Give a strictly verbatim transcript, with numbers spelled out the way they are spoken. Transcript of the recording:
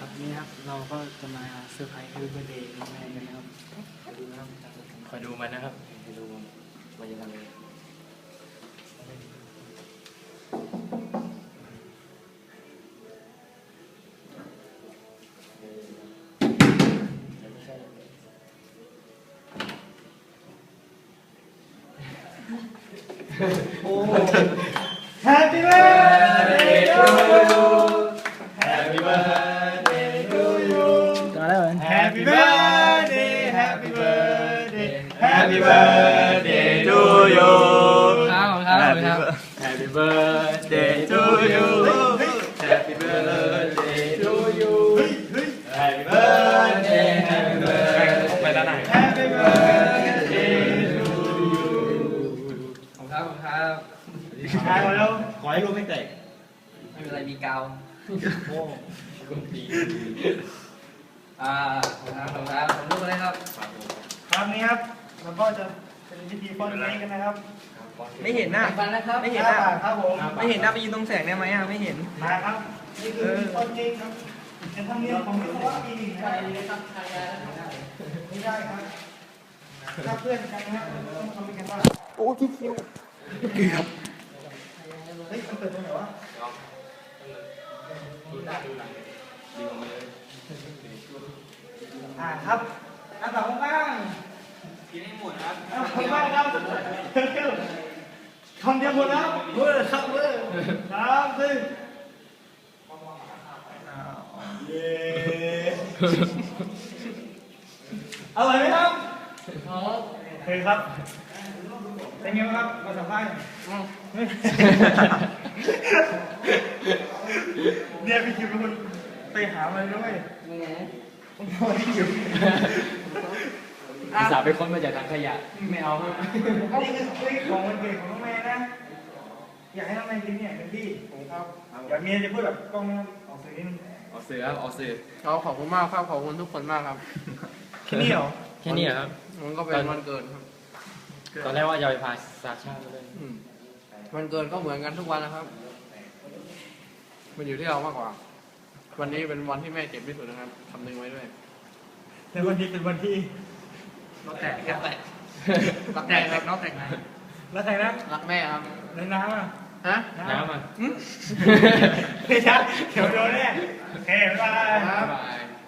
นี่ครับเราก็จะมาเซอร์ไพรส์คือเบอร์เดย์แม่กันนะครับคอยดูนะครับคอยดูมันนะครับคอยดูมันมันจะทำยังไงโอ้ Happy birthday to you Happy birthday to you ต่อแล้ว Happy birthday Happy birthday Happy birthday to you ครับครับครับ Happy birthday to you Happy birthday to you Happy birthday Happy birthday ไปแล้วไหน Happy birthday to you ขอบครับขอบครับใช่มาแล้วขอให้ลูกไม่แตกไม่เป็นไรมีกาวโอ้คุณปีอ่าขอบคุณครับขอบคุณเลยครับครั้งนี้ครับเราก็จะเป็นพิธีป้อนเค้กกันนะครับไม่เห็นหน้าไม่เห็นหน้าครับผมไม่เห็นหน้าไปยืนตรงแสงได้ไหมอ่ะไม่เห็นมาครับนี่คือป้อนเค้กครับเป็นธรรมเนียมของวิศวะปีหนึ่งนะครับไม่ได้ครับถ้าเพื่อนกันนะครับต้องทำกันว่าโอ้คิวคิวเกือบเฮ้ยมันเปิดตรงไหนวะอ่าครับอันต่อข้างกินให้หมดครับข้างล่างครับคำเดียวหมดแล้วเวอร์ครับเวอร์สามสี่เย้อร่อยไหมครับเคยครับเป็นไงบ้างครับมาสัมภาษณ์เนี่ยพี่คิวเป็นคนไปหามาด้วยผมพอพี่คิวอุตส่าห์ไปค้นมาจากถังขยะไม่เอาครับนี่คือของวันเกิดของน้องแม่นะอยากให้น้องแม่กินเนี่ยเป็นที่ผมครับอยากเมียจะพูดแบบกล้องออกสื่อนิดนึงออกสื่อครับออกสื่อเราขอบคุณมากครับขอบคุณทุกคนมากครับแค่นี้เหรอแค่นี้ครับมันก็เป็นวันเกิดครับตอนแรกว่าจะไปพาซาชามาเลยวันเกิดก็เหมือนกันทุกวันนะครับมันอยู่ที่เรามากกว่าวันนี้เป็นวันที่แม่เจ็บที่สุดนะครับคำนึงไว้ด้วยในวันนี้เป็นวันที่เราแตกแค่แตกรักแตกแตกนอกแตกไหนรักใครนะรักแม่ครับในน้ำอ่ะฮะน้ำอ่ะไม่ใช่เขียวโดนแน่โอเคบ๊ายบาย